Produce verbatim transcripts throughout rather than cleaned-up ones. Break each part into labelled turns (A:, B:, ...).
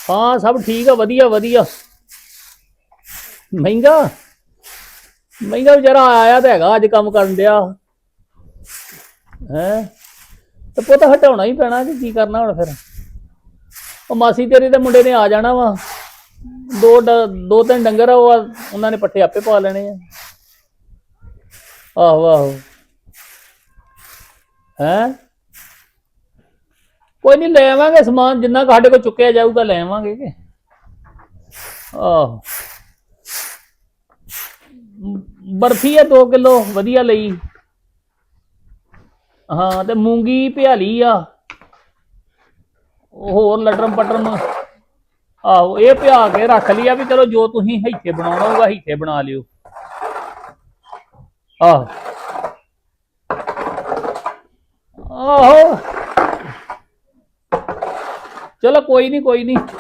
A: हाँ सब ठीक है वधिया वधिया। महंगा महंगा बेचारा आया तो है अज काम कर दिया है तो पुत हटाना ही पैना कि की करना हुण फिर। ਉਹ ਮਾਸੀ ਤੇਰੀ ਦੇ ਮੁੰਡੇ ਨੇ ਆ ਜਾਣਾ ਵਾ ਦੋ ਦੋ ਤਿੰਨ ਡੰਗਰ ਆ ਉਹਨਾਂ ਨੇ ਪੱਠੇ ਆਪੇ ਪਾ ਲੈਣੇ ਆ। ਆਹੋ ਆਹੋ ਹੈ ਕੋਈ ਨਹੀਂ ਲੈ ਆਵਾਂਗੇ ਸਮਾਨ ਜਿੰਨਾ ਕੁ ਸਾਡੇ ਕੋਲ ਚੁੱਕਿਆ ਜਾਊਗਾ ਲੈ ਆਵਾਂਗੇ ਕਿ ਆਹੋ। ਬਰਫੀ ਆ ਦੋ ਕਿਲੋ ਵਧੀਆ ਲਈ। ਹਾਂ ਤੇ ਮੂੰਗੀ ਭਿਆਲੀ ਆ होर लटरम पटरम आहो ये पिया के रख लिया भी चलो जो तुसीं हिथे बनाना होगा हिथे बना लियो। आहो आहो चलो कोई नहीं कोई नहीं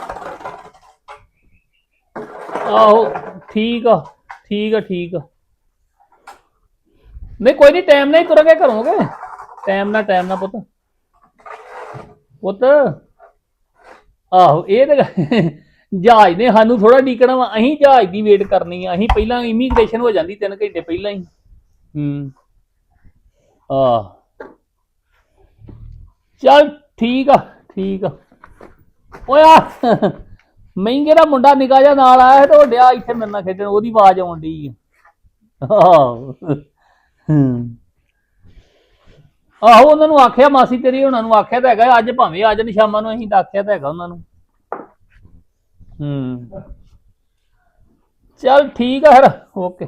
A: आहो ठीक आ ठीक है ठीक है नहीं कोई नहीं टाइम नहीं तुरंगे घरों के टाइम ना टाइम ना पुत पुत आहो ये तो जहाज ने सानू थोड़ा डीकना वा अं जहाज की वेट करनी है अं पहला इमीग्रेशन हो जाती तीन घंटे पहला ही। हम्म आ चल ठीक आ ठीक आ ओया महंगे का मुंडा निका जा नाल आया तो डिया इत्थे मेरे नाल खेडण ओहदी आवाज आउण डी आहो उन्होंने आख्या मासी तेरी उन्होंने आख्या तो है अज भावें आ जान शामां नूं असीं तां आख्या तो है उन्होंने। हम्म चल ठीक है फिर ओके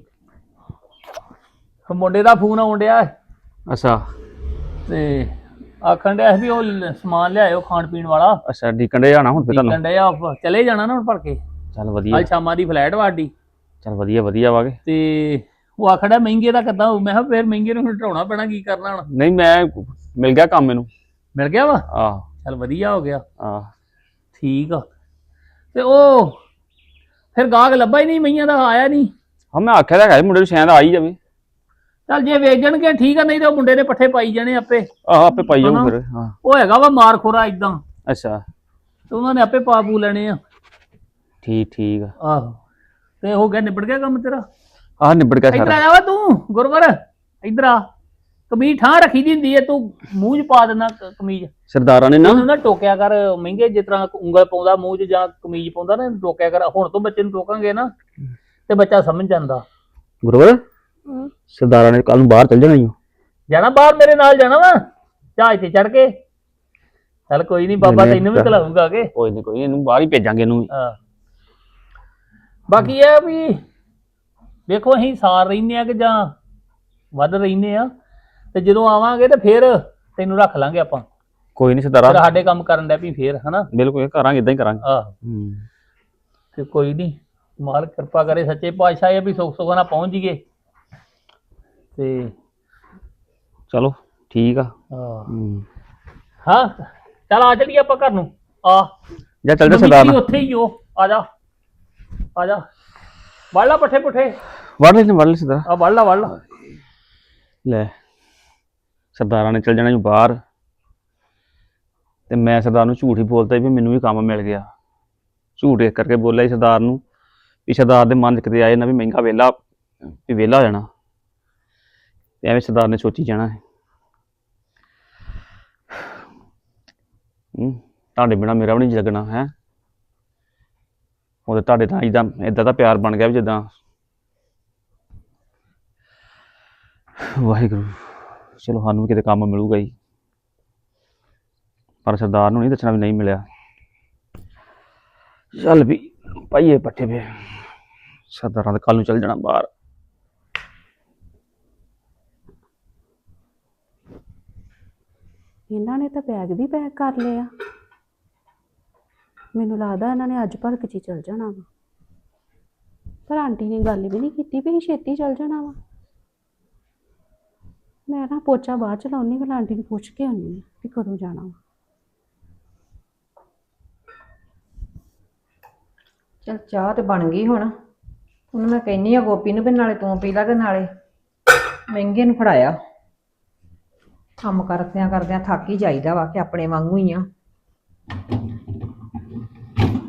A: ओके मुंडे का फोन आउण डिया
B: अच्छा
A: ते आखण डिया भी वो समान लियाओ खाण पीण वाला।
B: अच्छा डीकण डे जाना हुण फिर
A: डीकण डे चले जाना ना हुण भर के।
B: चल वधिया
A: अज शामां दी फ्लाइट वाडी।
B: चल वधिया वधिया वागे
A: ते वो आखड़ा महंगे का किदा मैं किहा फिर महंगे नूं हटाउणा पैना की करना हुण।
B: नहीं मैं मिल गया काम मैनू
A: मिल गया वा
B: आह
A: चल वधिया हो गया
B: आह
A: ठीक आ ते ओ फिर गाहक लब्भा ही नहीं मईयां दा आया नहीं।
B: हाँ मैं आख्या था मुंडे नूं शायद आ ही जावे
A: चल जे वेचणगे ठीक है नहीं तो मुंडे ने पट्ठे पाई जाने आपे
B: आह आपे पाई जाऊं फिर। हाँ
A: वो हैगा वा मार खोरा इदां
B: अच्छा
A: तो उन्होंने आपे पा पू लेने आ।
B: ठीक ठीक
A: आहो ते हो गया निबड़ गया काम तेरा।
B: आह निबड़ गया
A: इधर
B: सारा।
A: आया वा तू गुरवर इधर आ कमीज ठा रखी दी हुंदी है तू मूंह च पा देना कमीज
B: सरदारा ने ना
A: ना टोकिया कर महंगे जिस तरह उंगल पाउंदा मूंह च जां कमीज पाउंदा ना टोकिया कर हुण तो बच्चे नूं टोकांगे ना ते बच्चा समझ जांदा।
B: गुरवर सरदारा ने कल नूं बाहर चल जाना ही
A: जाना बाहर मेरे नाल जाना वा जहाज ते चढ़ के। चल कोई नहीं बाबा तैनूं भी खिलाऊंगा के
B: कोई नहीं कोई नहीं इनू बाहर ही भेजांगे इनू।
A: हां बाकी है भी देखो असीं सार रहिंदे आ कि जां वध रहिंदे आ ते जदों आवांगे ते फिर तैनूं रख लांगे आपां।
B: कोई नहीं सरदारा
A: फिर साडे काम करन दे भी फिर है ना
B: बिल्कुल करांगे इदां ही करांगे।
A: आह ते कोई नहीं मालिक कृपा करे सच्चे पातशाह ये भी सुख सुख ना पहुंच जाइए ते
B: चलो ठीक आ।
A: हाँ चल आ चलिए आप घर नूं आ
B: जा चल जा सरदार
A: उत्थे ही हो आ जा आ जा वड़ ला पट्ठे पुट्ठे
B: वड़ ले वड़ ले सरदार
A: आ वड़ ला वड़ ला
B: ले सरदारा ने चल जाना ही बाहर ते मैं सरदार नूं झूठ ही बोलता भी मैनू भी काम मिल गया। झूठ इस करके बोलिया ही सरदार नूं भी सरदार दे मन च कदे आए ना भी महंगा वेला भी वेला हो जाना ते एवें सरदार ने सोची जाना है तुहाडे बिना मेरा भी नहीं लगना है वो तुहाडे नाल इदां इदां दा प्यार बन गया भी जिद्दां वाहिगुरू चलो सानू भी किते काम मिलूगा ही पर सरदार नूं नहीं दसना भी नहीं मिलिया। चल भी पाइए पट्ठे पे सरदारां दे कल नूं चल जाना बाहर।
C: इन्हां ने तो बैग भी पैक कर लिया मैनूं लगदा इन्हां ने अज भलक च चल जाना वा पर आंटी ने गल भी नहीं की भी छेती चल जाना वा। मैं ना पोचा बाद च लाउनी भला आंटी नूं पुछ के आनी भी कदों जाना वा।
D: चल चाह तो बन गई हुण ਉਹਨੂੰ मैं कहनी आ गोपी नूं भी नाले तूं पी ला ते नाले महंगे नूं फड़ाया ਕੰਮ ਕਰਦਿਆਂ ਕਰਦਿਆਂ ਥੱਕ ਹੀ ਜਾਈਦਾ ਵਾ ਕਿ ਆਪਣੇ ਵਾਂਗੂ ਹੀ ਆ।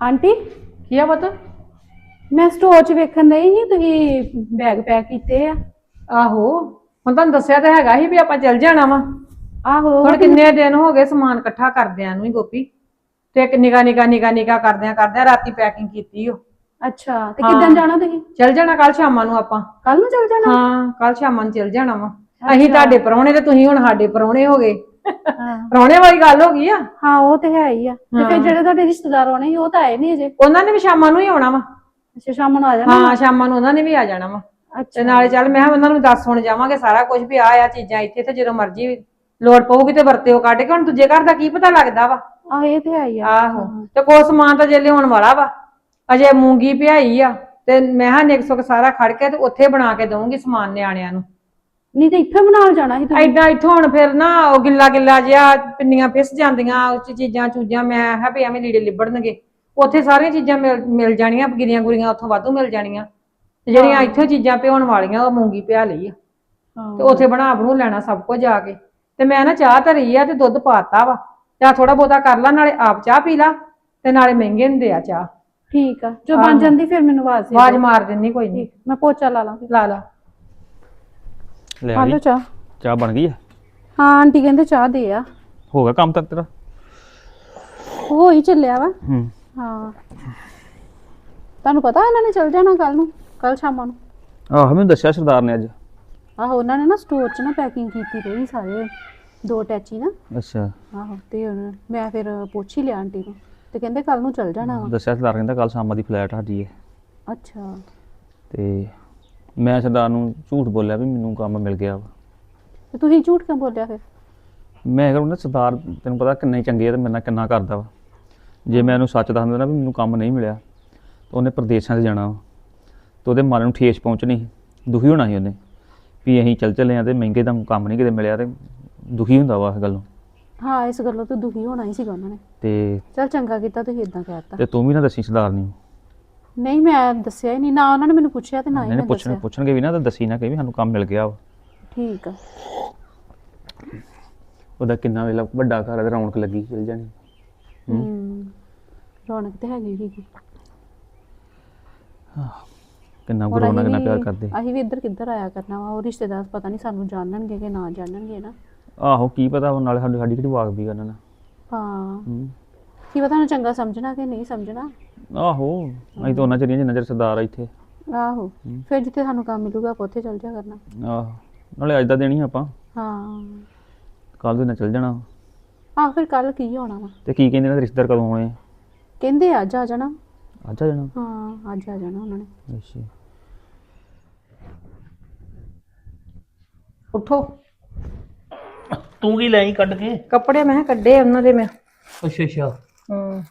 C: ਆਂਟੀ
D: ਕੀ ਆ ਪੁੱਤ?
C: ਮੈਂ ਸਟੋਰ 'ਚ ਵੇਖਣ ਨਹੀਂ ਸੀ ਤੁਸੀਂ ਬੈਗ ਪੈਕ ਕੀਤੇ ਆ।
D: ਆਹੋ ਹੁਣ ਤੁਹਾਨੂੰ ਦੱਸਿਆ ਤਾਂ ਹੈਗਾ ਸੀ ਵੀ ਆਪਾਂ ਚੱਲ ਜਾਣਾ ਵਾ।
C: ਆਹੋ
D: ਹੁਣ ਕਿੰਨੇ ਦਿਨ ਹੋ ਗਏ ਸਮਾਨ ਇਕੱਠਾ ਕਰਦਿਆਂ ਨੂੰ ਹੀ ਗੋਪੀ, ਤੇ ਇੱਕ ਨਿਗਾ ਨਿਗਾ ਨਿਗਾ ਨਿਗਾ ਕਰਦਿਆਂ ਕਰਦਿਆਂ ਰਾਤੀ ਪੈਕਿੰਗ ਕੀਤੀ ਓ।
C: ਅੱਛਾ ਤੇ ਕਿੱਦਣ ਜਾਣਾ ਤੁਸੀਂ?
D: ਚੱਲ ਜਾਣਾ ਕੱਲ ਸ਼ਾਮਾਂ ਨੂੰ ਆਪਾਂ।
C: ਕੱਲ ਨੂੰ ਚੱਲ ਜਾਣਾ?
D: ਹਾਂ ਕੱਲ ਸ਼ਾਮਾਂ ਨੂੰ ਚੱਲ ਜਾਣਾ ਵਾ। ਅਸੀਂ ਤੁਹਾਡੇ ਪ੍ਰਾਹੁਣੇ ਤੇ ਤੁਸੀਂ ਹੁਣ ਸਾਡੇ ਪ੍ਰਾਹੁਣੇ ਹੋ ਗਏ।
C: ਹਾਂ
D: ਪ੍ਰਾਹੁਣੇ ਵਾਲੀ ਗੱਲ ਹੋ ਗਈ ਆ।
C: ਹਾਂ ਉਹ ਤੇ ਹੈ ਹੀ ਆ। ਤੇ ਫਿਰ ਜਿਹੜੇ ਤੁਹਾਡੇ ਰਿਸ਼ਤੇਦਾਰ ਆਉਣੇ ਸੀ ਉਹ ਤਾਂ ਆਏ ਨਹੀਂ ਅਜੇ।
D: ਉਹਨਾਂ ਨੇ ਵੀ ਸ਼ਾਮਾਂ ਨੂੰ ਹੀ ਆਉਣਾ ਵਾ।
C: ਅੱਛਾ ਸ਼ਾਮ ਨੂੰ ਆ ਜਾਣਾ?
D: ਹਾਂ ਸ਼ਾਮਾਂ ਨੂੰ ਉਹਨਾਂ ਨੇ ਵੀ ਆ ਜਾਣਾ ਵਾ। ਤੇ
C: ਅੱਛਾ
D: ਨਾਲੇ ਚੱਲ ਮੈਂ ਕਿਹਾ ਉਹਨਾਂ ਨੂੰ ਦੱਸ ਸੁਣ ਜਾਵਾਂਗੇ ਸਾਰਾ ਕੁਝ ਵੀ ਆ ਆ ਚੀਜ਼ਾਂ ਇੱਥੇ, ਤੇ ਜਦੋਂ ਮਰਜ਼ੀ ਲੋੜ ਪਊਗੀ ਤੇ ਵਰਤਿਓ ਕੱਢ ਕੇ। ਹੁਣ ਦੂਜੇ ਘਰ ਦਾ ਕੀ ਪਤਾ ਲੱਗਦਾ ਵਾ।
C: ਆਹ ਇਹ ਤੇ ਹੈ ਹੀ ਆ।
D: ਆਹੋ ਤੇ ਕੋਈ ਸਮਾਨ ਤਾਂ ਜੇ ਲਿਆਉਣ ਵਾਲਾ ਵਾ, ਅਜੇ ਮੂੰਗੀ ਪਿਆਈ ਆ ਤੇ ਮੈਂ ਹਾਂ ਨਿਕ ਸੁਕ ਸਾਰਾ ਖੜ ਕੇ ਤੇ ਉੱਥੇ ਬਣਾ ਕੇ ਦਊਂਗੀ ਸਮਾਨ ਨਿਆਣਿਆਂ ਨੂੰ।
C: ਨਹੀਂ ਤੇ ਇੱਥੇ ਬਣਾ ਜਾਣਾ ਸੀ ਤੁਸੀਂ।
D: ਐਦਾਂ ਇੱਥੋਂ ਹੁਣ ਫਿਰ ਨਾ ਉਹ ਗਿੱਲਾ ਗਿੱਲਾ ਜਿਹਾ ਪਿੰਨੀਆਂ ਫਿਸ ਜਾਂਦੀਆਂ ਉਹ 'ਚ ਚੀਜ਼ਾਂ ਚੂਜ਼ਾਂ, ਮੈਂ ਕਿਹਾ ਵੀ ਐਵੇਂ ਲੀੜੇ ਲਿਬੜਨਗੇ। ਉੱਥੇ ਸਾਰੀਆਂ ਚੀਜ਼ਾਂ ਮਿਲ ਮਿਲ ਜਾਣੀਆਂ, ਗਿਰੀਆਂ ਗੁਰੀਆਂ ਉੱਥੋਂ ਵਾਧੂ ਮਿਲ ਜਾਣੀਆਂ। ਤੇ ਜਿਹੜੀਆਂ ਇੱਥੋਂ ਚੀਜ਼ਾਂ ਭਿਉਣ ਵਾਲੀਆਂ ਉਹ ਮੂੰਗੀ ਪਿਆ ਲਈ ਆ, ਤੇ ਉੱਥੇ ਬਣਾ ਬਣੂ ਲੈਣਾ ਸਭ ਕੁਝ ਜਾ ਕੇ। ਤੇ ਮੈਂ ਨਾ ਚਾਹ ਧਰੀ ਆ ਤੇ ਦੁੱਧ ਪਾਤਾ ਵਾ, ਚਾਹ ਥੋੜਾ ਬਹੁਤਾ ਕਰ ਲਾ, ਨਾਲੇ ਆਪ ਚਾਹ ਪੀ ਲਾ ਤੇ ਨਾਲੇ ਮਹਿੰਗੇ ਨੂੰ ਦੇ ਆ ਚਾਹ।
C: ਠੀਕ ਆ ਜੋ ਬਣ ਜਾਂਦੀ ਫਿਰ ਮੈਨੂੰ ਆਵਾਜ਼ ਦੇ
D: ਆਵਾਜ਼ ਮਾਰ ਦਿੰਨੀ ਕੋਈ ਨਹੀਂ।
C: ਮੈਂ ਪੋਚਾ ਲਾ ਲਾਂ।
D: ਲਾ ਲਾ
B: ਲੈ
C: ਆ
B: ਆ
C: ਲਓ
B: ਗਈ
C: ਚਾਹ।
B: ਚਾਹ ਬਣ ਗਈ ਹੈ?
C: ਹਾਂ ਆਂਟੀ ਕਹਿੰਦੇ ਚਾਹ ਦੇ ਆ।
B: ਹੋ ਗਿਆ ਕੰਮ ਤੱਕ ਤੇਰਾ?
C: ਹੋ ਹੀ ਚੱਲਿਆ ਵਾ।
B: ਹੂੰ
C: ਹਾਂ ਤੁਹਾਨੂੰ ਪਤਾ ਇਹਨਾਂ ਨੇ ਚੱਲ ਜਾਣਾ ਕੱਲ ਨੂੰ, ਕੱਲ ਸ਼ਾਮਾਂ ਨੂੰ।
B: ਆਹੋ ਮੈਨੂੰ ਦੱਸਿਆ ਸਰਦਾਰ ਨੇ ਅੱਜ।
C: ਆਹੋ ਉਹਨਾਂ ਨੇ ਨਾ ਸਟੋਰ 'ਚ ਨਾ ਪੈਕਿੰਗ ਕੀਤੀ ਰਹੀ ਸਾਰੇ ਦੋ ਟੈਚੀ ਨਾ।
B: ਅੱਛਾ
C: ਆਹੋ ਤੇ ਹੁਣ ਮੈਂ ਫਿਰ ਪੁੱਛ ਹੀ ਲਿਆ ਆਂਟੀ ਨੂੰ, ਤੇ ਕਹਿੰਦੇ ਕੱਲ ਨੂੰ ਚੱਲ ਜਾਣਾ ਵਾ।
B: ਦੱਸਿਆ ਸਰਦਾਰ ਕਹਿੰਦਾ ਕੱਲ ਸ਼ਾਮਾਂ ਦੀ ਫਲਾਈਟ ਸਾਡੀ ਹੈ।
C: ਅੱਛਾ
B: ਤੇ ਮੈਂ ਸਰਦਾਰ ਨੂੰ ਝੂਠ ਬੋਲਿਆ ਵੀ ਮੈਨੂੰ ਕੰਮ ਮਿਲ ਗਿਆ ਵਾ।
C: ਤੇ ਤੁਸੀਂ ਝੂਠ ਕਿਉਂ ਬੋਲਿਆ ਫਿਰ?
B: ਮੈਂ ਕਹਿੰਦਾ ਸਰਦਾਰ ਤੈਨੂੰ ਪਤਾ ਕਿੰਨਾ ਹੀ ਚੰਗੇ ਆ ਤੇ ਮੇਰੇ ਨਾਲ ਕਿੰਨਾ ਕਰਦਾ ਵਾ। ਜੇ ਮੈਂ ਉਹਨੂੰ ਸੱਚ ਦੱਸ ਦਿੰਦਾ ਨਾ ਵੀ ਮੈਨੂੰ ਕੰਮ ਨਹੀਂ ਮਿਲਿਆ ਤਾਂ ਉਹਨੇ ਪ੍ਰਦੇਸ਼ਾਂ 'ਤੇ ਜਾਣਾ ਵਾ, ਤੇ ਉਹਦੇ ਮਨ ਨੂੰ ਠੇਸ ਪਹੁੰਚਣੀ ਸੀ, ਦੁਖੀ ਹੋਣਾ ਸੀ ਉਹਨੇ ਵੀ ਅਸੀਂ ਚੱਲ ਚੱਲੇ ਆ ਤੇ ਮਹਿੰਗੇ ਦਾ ਕੰਮ ਨਹੀਂ ਕਿਤੇ ਮਿਲਿਆ, ਤੇ ਦੁਖੀ ਹੁੰਦਾ ਵਾ ਇਸ ਗੱਲੋਂ।
C: ਹਾਂ ਇਸ ਗੱਲੋਂ ਤਾਂ ਦੁਖੀ ਹੋਣਾ ਹੀ ਸੀਗਾ ਉਹਨਾਂ ਨੇ।
B: ਤੇ
C: ਚੱਲ ਚੰਗਾ ਕੀਤਾ ਤੁਸੀਂ ਇਦਾਂ ਕਹਿਤਾ।
B: ਤੇ ਤੂੰ ਵੀ ਨਾ ਦੱਸੀ ਸਰਦਾਰ ਨੂੰ।
C: ਨਹੀਂ ਮੈਂ ਦੱਸਿਆ ਹੀ ਨਹੀਂ, ਨਾ ਉਹਨਾਂ ਨੇ ਮੈਨੂੰ ਪੁੱਛਿਆ ਤੇ ਨਾ ਹੀ
B: ਨਹੀਂ
C: ਮੈਂ
B: ਪੁੱਛਣ
C: ਦੱਸਿਆ।
B: ਪੁੱਛਣਗੇ ਵੀ ਨਾ ਤਾਂ ਦੱਸੀ ਨਾ ਕਿ ਵੀ ਸਾਨੂੰ ਕੰਮ ਮਿਲ ਗਿਆ ਵਾ।
C: ਠੀਕ ਆ।
B: ਉਹਦਾ ਕਿੰਨਾ ਵੇਲਾ ਵੱਡਾ ਘਰ ਹੈ ਤੇ ਰੌਣਕ ਲੱਗੀ ਚੱਲ ਜਾਣੀ।
C: ਹੂੰ ਰੌਣਕ ਤੇ ਹੈਗੀ ਸੀਗੀ।
B: ਕਿੰਨਾ
C: ਹੁਣ
B: ਗੁਰੂ ਨਾਲ
C: ਅਸੀਂ
B: ਕਿੰਨਾ ਪਿਆਰ
C: ਵੀ-
B: ਕਰਦੇ।
C: ਅਸੀਂ ਵੀ ਇੱਧਰ ਕਿੱਧਰ ਆਇਆ ਕਰਨਾ ਵਾ, ਉਹ ਰਿਸ਼ਤੇਦਾਰ ਪਤਾ ਨਹੀਂ ਸਾਨੂੰ ਜਾਣਨਗੇ ਕਿ ਨਾ ਜਾਣਨਗੇ ਨਾ।
B: ਆਹੋ ਕੀ ਪਤਾ ਹੁਣ ਨਾਲੇ ਸਾਡੀ ਸਾਡੀ ਕਿਹੜੀ ਵਾਕ ਵੀ ਉਹਨਾਂ ਨਾਲ।
C: ਹਾਂ
B: ਹੂੰ
C: ਕੀ ਪਤਾ ਉਹਨੂੰ ਚੰਗਾ ਸਮਝਣਾ ਕਿ ਨਹੀਂ ਸਮਝਣਾ।
B: ਆਹੋ ਅਸੀਂ ਤਾਂ ਉਹਨਾਂ ਚਿਰ ਜਿੰਨਾ ਚਿਰ ਸਰਦਾਰ ਆ ਇੱਥੇ।
C: ਆਹੋ ਫਿਰ ਜਿੱਥੇ ਸਾਨੂੰ ਕੰਮ ਮਿਲੂਗਾ ਆਪਾਂ ਉੱਥੇ ਚੱਲ ਜਾ ਕਰਨਾ।
B: ਆਹੋ ਨਾਲੇ ਅੱਜ ਦਾ ਦੇਣੀ ਆਪਾਂ,
C: ਹਾਂ
B: ਕੱਲ ਦੇ ਨਾਲ ਚੱਲ ਜਾਣਾ।
C: ਆਹ ਫਿਰ ਕੱਲ ਕੀ ਹੋਣਾ ਵਾ?
B: ਤੇ ਕੀ ਕਹਿੰਦੇ ਨੇ ਰਿਸ਼ਤੇਦਾਰ ਕਦੋਂ ਆਉਣੇ?
C: ਕਹਿੰਦੇ ਅੱਜ ਆ ਜਾਣਾ।
B: ਅੱਜ ਆ ਜਾਣਾ?
C: ਹਾਂ ਅੱਜ ਆ ਜਾਣਾ ਉਹਨਾਂ ਨੇ।
B: ਅੱਛਾ
D: ਉੱਠੋ।
A: ਤੂੰ ਕੀ ਲੈ ਕੱਢ ਕੇ?
D: ਕੱਪੜੇ ਮੈਂ ਕਿਹਾ ਕੱਢੇ ਉਹਨਾਂ ਦੇ ਮੈਂ।
A: ਅੱਛਾ ਅੱਛਾ
D: ਹੂੰ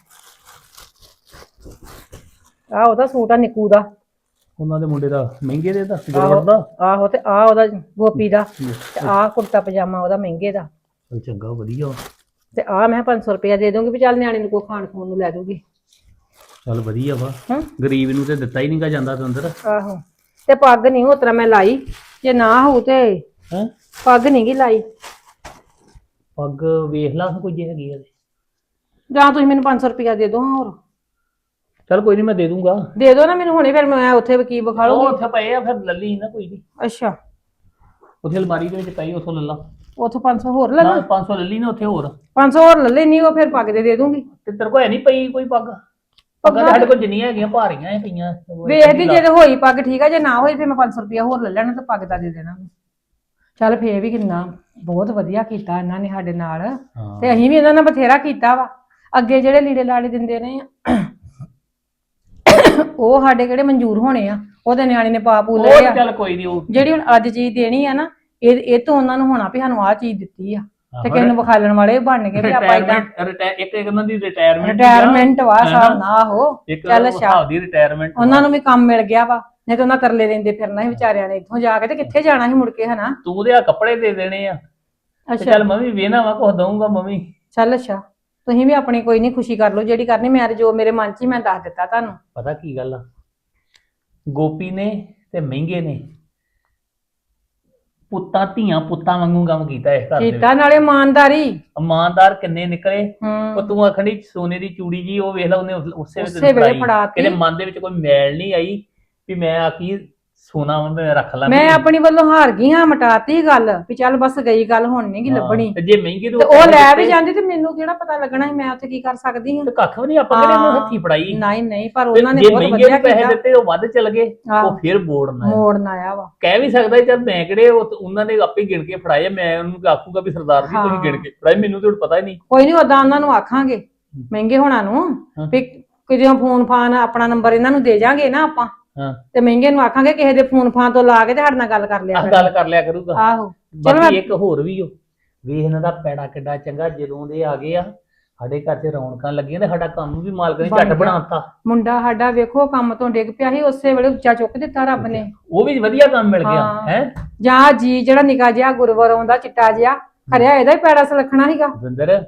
D: ਆਹ ਉਹਦਾ ਸੂਟ ਆ ਨਿੱਕੂ ਦਾ।
A: ਉਹਨਾਂ ਦੇ ਮੁੰਡੇ ਦਾ ਮਹਿੰਗੇ ਦੇ ਦਾ ਗਰਵੜ ਦਾ।
D: ਆਹੋ ਤੇ ਆਹ ਉਹਦਾ ਗੋਪੀ ਦਾ, ਤੇ ਆਹ ਕੁੜਤਾ ਪਜਾਮਾ ਉਹਦਾ ਮਹਿੰਗੇ ਦਾ।
A: ਚੱਲ ਚੰਗਾ ਵਧੀਆ ਵਾ।
D: ਤੇ ਆਹ ਮੈਂ ਪੰਜ ਸੌ ਰੁਪਇਆ ਦੇ ਦੂੰਗੀ ਵੀ ਚੱਲ ਨਿਆਣੇ ਨੂੰ ਕੋਈ ਖਾਣ ਖੂਣ ਨੂੰ ਲੈ ਦੂਗੀ।
A: ਚੱਲ ਵਧੀਆ ਵਾ।
D: ਹੂੰ
A: ਗਰੀਬ ਨੂੰ ਤੇ ਦਿੱਤਾ ਹੀ ਨਹੀਂਗਾ ਜਾਂਦਾ ਤੇ ਅੰਦਰ।
D: ਆਹੋ ਤੇ ਪੱਗ ਨਹੀਂ ਉਸ ਤਰ੍ਹਾਂ ਮੈਂ ਲਾਈ, ਜੇ ਨਾ ਹੋਊ ਤੇ
A: ਹੈ
D: ਪੱਗ ਨਹੀਂ ਗੀ ਲਾਈ।
A: ਪੱਗ ਵੇਖ ਲਾ ਕੋਈ ਜੇ ਹੈਗੀ ਆ ਤੇ।
D: ਜਾਂ ਤੁਸੀਂ ਮੈਨੂੰ ਪੰਜ ਸੌ ਰੁਪਇਆ ਦੇ ਦਿਓ। ਹੋਰ
A: ਚੱਲ ਕੋਈ ਨਹੀਂ ਮੈਂ ਦੇ ਦੂੰਗਾ।
D: ਦੇ ਦਿਓ ਨਾ ਮੈਨੂੰ ਹੁਣੇ, ਫਿਰ ਮੈਂ ਉੱਥੇ ਵੀ ਕੀ ਵਿਖਾ
A: ਉਹ
D: ਲੂੰਗੀ।
A: ਉੱਥੇ ਪਏ ਆ ਫਿਰ ਲੱਲੀ ਨਾ ਕੋਈ ਨਹੀਂ।
D: ਅੱਛਾ
A: ਉੱਥੇ ਅਲਮਾਰੀ ਦੇ ਵਿੱਚ ਪਈ ਉੱਥੋਂ ਲੱਲਾ।
D: ਉੱਥੋਂ ਪੰਜ ਸੌ ਹੋਰ ਲੈ
A: ਨਾ
D: ਲਾ।
A: ਪੰਜ ਸੌ ਲੱਲੀ ਨਾ ਉੱਥੇ ਹੋਰ।
D: ਪੰਜ ਸੌ ਹੋਰ ਲੈ ਲੈਣੀ, ਉਹ ਫਿਰ ਪੱਗ ਦੇ ਦੇ ਦੂੰਗੀ।
A: ਤੇ ਤੇਰੇ ਕੋਲ ਹੈ ਨਹੀਂ ਪਈ ਕੋਈ ਪੱਗ? ਪੱਗਾਂ ਤਾਂ ਸਾਡੇ ਕੋਲ ਜਿੰਨੀਆਂ ਹੈਗੀਆਂ ਭਾਰੀਆਂ ਹੀ ਪਈਆਂ।
D: ਵੇਖਦੀ ਜੇ ਤੇ ਹੋਈ ਪੱਗ ਠੀਕ ਆ, ਜੇ ਨਾ ਹੋਈ ਫਿਰ ਮੈਂ ਪੰਜ ਸੌ ਰੁਪਇਆ ਹੋਰ ਲੈ ਲੈਣਾ ਤੇ ਪੱਗ ਦਾ ਦੇ ਦੇਣਾ। ਚੱਲ ਫੇਰ ਵੀ ਕਿੰਨਾ ਬਹੁਤ ਵਧੀਆ ਕੀਤਾ ਇਹਨਾਂ ਨੇ ਸਾਡੇ ਨਾਲ, ਤੇ ਅਸੀਂ ਵੀ ਇਹਨਾਂ ਨਾਲ ਬਥੇਰਾ ਕੀਤਾ ਵਾ। ਅੱਗੇ ਜਿਹੜੇ ਲੀੜੇ ਲਾੜੇ ਦਿੰਦੇ ਨੇ ਉਹ ਸਾਡੇ ਕਿਹੜੇ ਮਨਜ਼ੂਰ ਹੋਣੇ ਆ, ਉਹਦੇ ਨਿਆਣੇ ਨੇ ਪਾ ਪੂ ਲਏ ਆ।
A: ਚੱਲ ਕੋਈ ਨਹੀਂ ਉਹ
D: ਜਿਹੜੀ ਹੁਣ ਅੱਜ ਚੀਜ਼ ਦੇਣੀ ਆ ਨਾ, ਇਹ ਇਹ ਤੋਂ ਉਹਨਾਂ ਨੂੰ ਹੋਣਾ ਵੀ ਸਾਨੂੰ ਆਹ ਚੀਜ਼ ਦਿੱਤੀ ਆ, ਤੇ ਕਿਸੇ ਨੂੰ ਵਿਖਾਲਣ ਵਾਲੇ ਬਣ ਕੇ ਵੀ ਆਪਾਂ ਏਦਾਂ
A: ਇੱਕ ਇੱਕ ਉਹਨਾਂ ਦੀ ਰਿਟਾਇਰਮੈਂਟ
D: ਰਿਟਾਇਰਮੈਂਟ ਵਾ ਹਿਸਾਬ ਨਾਲ। ਉਹ ਚੱਲ ਅੱਛਾ
A: ਦੀ ਰਿਟਾਇਰਮੈਂਟ
D: ਉਹਨਾਂ ਨੂੰ ਵੀ ਕੰਮ ਮਿਲ ਗਿਆ ਵਾ, ਨਹੀਂ ਤੇ ਉਹਨਾਂ ਤਰਲੇ ਲੈਂਦੇ ਫਿਰਨਾ ਸੀ ਵਿਚਾਰਿਆਂ ਨੇ ਇੱਥੋਂ ਜਾ ਕੇ, ਤੇ ਕਿੱਥੇ ਜਾਣਾ ਸੀ ਮੁੜ ਕੇ ਹਨਾ।
A: ਤੂੰ ਦੇ ਆ ਕੱਪੜੇ ਦੇ ਦੇਣੇ ਆ।
D: ਅੱਛਾ
A: ਚੱਲ ਮੈਂ ਵੀ ਵੇਹਨਾ ਵਾ ਕੁਝ ਦਊਂਗਾ ਮੰਮੀ।
D: ਚੱਲ ਅੱਛਾ ਤੁਸੀਂ ਵੀ ਆਪਣੀ ਕੋਈ ਨਹੀਂ ਖੁਸ਼ੀ ਕਰ ਲਓ ਜਿਹੜੀ ਕਰਨੀ। ਮੈਂ ਜੋ ਮੇਰੇ ਮਨ 'ਚ ਹੀ ਮੈਂ ਦੱਸ ਦਿੱਤਾ ਤੁਹਾਨੂੰ।
A: ਪਤਾ ਕੀ ਗੱਲ ਆ, ਗੋਪੀ ਨੇ ਤੇ ਮਹਿੰਗੇ ਨੇ ਪੁੱਤਾਂ ਧੀਆਂ ਪੁੱਤਾਂ ਵਾਂਗੂ ਕੰਮ ਕੀਤਾ ਇਸ ਘਰ ਦੇ
D: ਕੀਤਾ
A: ਵਿੱਚ।
D: ਨਾਲੇ ਇਮਾਨਦਾਰੀ।
A: ਇਮਾਨਦਾਰ ਕਿੰਨੇ ਨਿਕਲੇ।
D: ਹੂੰ
A: ਉਹ ਤੂੰ ਆਖਣੀ ਸੋਨੇ ਦੀ ਚੂੜੀ ਜੀ ਉਹ ਵੇਖ ਲਾ ਉਹਨੇ ਉਸ- ਉਸੇ ਵੇਲੇ
D: ਉਸੇ
A: ਤੈਨੂੰ
D: ਵੇਲੇ
A: ਫੜਾਈ।
D: ਫੜਾਤੀ।
A: ਇਹਦੇ ਮਨ ਦੇ ਵਿੱਚ ਕੋਈ ਮੈਲ ਨਹੀਂ ਆਈ ਵੀ ਮੈਂ ਆਖੀ ਸੋਨਾ ਵਾ ਮੈਂ ਰੱਖ ਲਾਂ
D: ਮੈਂ ਆਪਣੀ ਵੱਲੋਂ ਹਾਰ ਗਈ ਹਾਂ, ਮਟਾਤੀ ਗੱਲ ਵੀ ਚੱਲ ਬਸ ਗਈ ਗੱਲ, ਹੁਣ ਨਹੀਂ ਗੀ ਲੱਭਣੀ।
A: ਤੇ ਜੇ ਮਹਿੰਗੇ
D: ਤੇ ਉਹ ਲੈ ਵੀ ਜਾਂਦੀ ਤੇ ਮੈਨੂੰ ਕਿਹੜਾ ਪਤਾ ਲੱਗਣਾ ਸੀ ਮੈਂ ਉੱਥੇ ਕੀ ਕਰ ਸਕਦੀ ਹਾਂ।
A: ਤੇ ਕੱਖ ਵੀ ਨਹੀਂ ਆਪਾਂ ਕਿਹੜੇ ਨੂੰ ਹੱਥੀ ਫੜਾਈ।
D: ਨਹੀਂ ਨਹੀਂ, ਪਰ
A: ਤੇ
D: ਉਹਨਾਂ ਨੇ
A: ਜੇ
D: ਬਹੁਤ
A: ਮਹਿੰਗੇ
D: ਵਧੀਆ
A: ਨੂੰ ਪੈਸੇ
D: ਕੀਤਾ।
A: ਦਿੱਤੇ ਉਹ ਵੱਧ ਚਲ ਗਏ
D: ਆਹੋ।
A: ਉਹ ਫਿਰ ਮੋੜਨਾ ਹੈ।
D: ਮੋੜਨ ਆਇਆ ਵਾ।
A: ਕਹਿ ਵੀ ਸਕਦਾ ਸੀ, ਚੱਲ ਮੈਂ ਕਿਹੜੇ ਉਹ ਤੇ ਉਹਨਾਂ ਨੇ ਆਪੇ ਗਿਣ ਕੇ ਫੜਾਏ ਆ, ਮੈਂ ਉਹਨੂੰ ਆਖੂਗਾ ਵੀ ਸਰਦਾਰ ਜੀ ਤੁਸੀਂ
D: ਹਾਂ।
A: ਗਿਣ ਕੇ ਫੜਾਏ, ਮੈਨੂੰ ਤੇ ਹੁਣ ਪਤਾ ਹੀ ਨਹੀਂ।
D: ਕੋਈ ਨਹੀਂ, ਉਦਾਂ ਉਹਨਾਂ ਨੂੰ ਆਖਾਂਗੇ ਮਹਿੰਗੇ ਹੋਣਾ ਨੂੰ
A: ਹਾਂ।
D: ਵੀ ਕਿਦੋਂ ਫੋਨ ਫਾਨ ਆਪਣਾ ਨੰਬਰ ਇਹਨਾਂ ਨੂੰ ਦੇ ਜਾਾਂਗੇ ਨਾ ਆਪਾਂ,
A: ਹਾਂ
D: ਤੇ ਮਹਿੰਗੇ ਨੂੰ ਆਖਾਂਗੇ ਕਿਸੇ ਦੇ ਫੋਨ ਫਾਨ ਤੋਂ ਲਾ ਕੇ ਤੇ ਸਾਡੇ ਨਾਲ ਗੱਲ ਕਰ ਲਿਆ
A: ਆਹ
D: ਕਰੇ।
A: ਗੱਲ ਕਰ ਲਿਆ ਕਰੂਗਾ।
D: ਆਹੋ ਚਲੋ
A: ਬਾਕੀ
D: ਮੈਂ-
A: ਇੱਕ ਹੋਰ ਵੀ ਹੋ ਵੇਖ ਇਹਨਾਂ ਦਾ ਪੈੜਾ ਕਿੱਡਾ ਚੰਗਾ, ਜਦੋਂ ਦੇ ਆ ਗਏ ਆ ਸਾਡੇ ਘਰ 'ਚ ਰੌਣਕਾਂ ਲੱਗੀਆਂ ਤੇ ਸਾਡਾ ਕੰਮ ਵੀ ਮਾਲਕ ਨੇ
D: ਬਣ
A: ਝੱਟ
D: ਗਿਆ।
A: ਬਣਾਤਾ।
D: ਮੁੰਡਾ ਸਾਡਾ ਵੇਖੋ ਕੰਮ ਤੋਂ ਡਿੱਗ ਪਿਆ ਸੀ, ਉਸੇ ਵੇਲੇ ਉੱਚਾ ਚੁੱਕ ਦਿੱਤਾ ਰੱਬ ਨੇ।
A: ਉਹ ਵੀ ਵਧੀਆ ਕੰਮ ਮਿਲ ਗਿਆ
D: ਹਾਂ।
A: ਹੈ।
D: ਜਾਂ ਜੀ ਜਿਹੜਾ ਨਿਕਾ ਜਿਹਾ ਗੁਰਵਰ ਆਉਂਦਾ ਚਿੱਟਾ ਜਿਹਾ ਖਰਿਆ, ਇਹਦਾ ਹੀ ਪੈੜਾ ਸਲਖਣਾ ਸੀਗਾ।
A: ਵਿੰਦਰ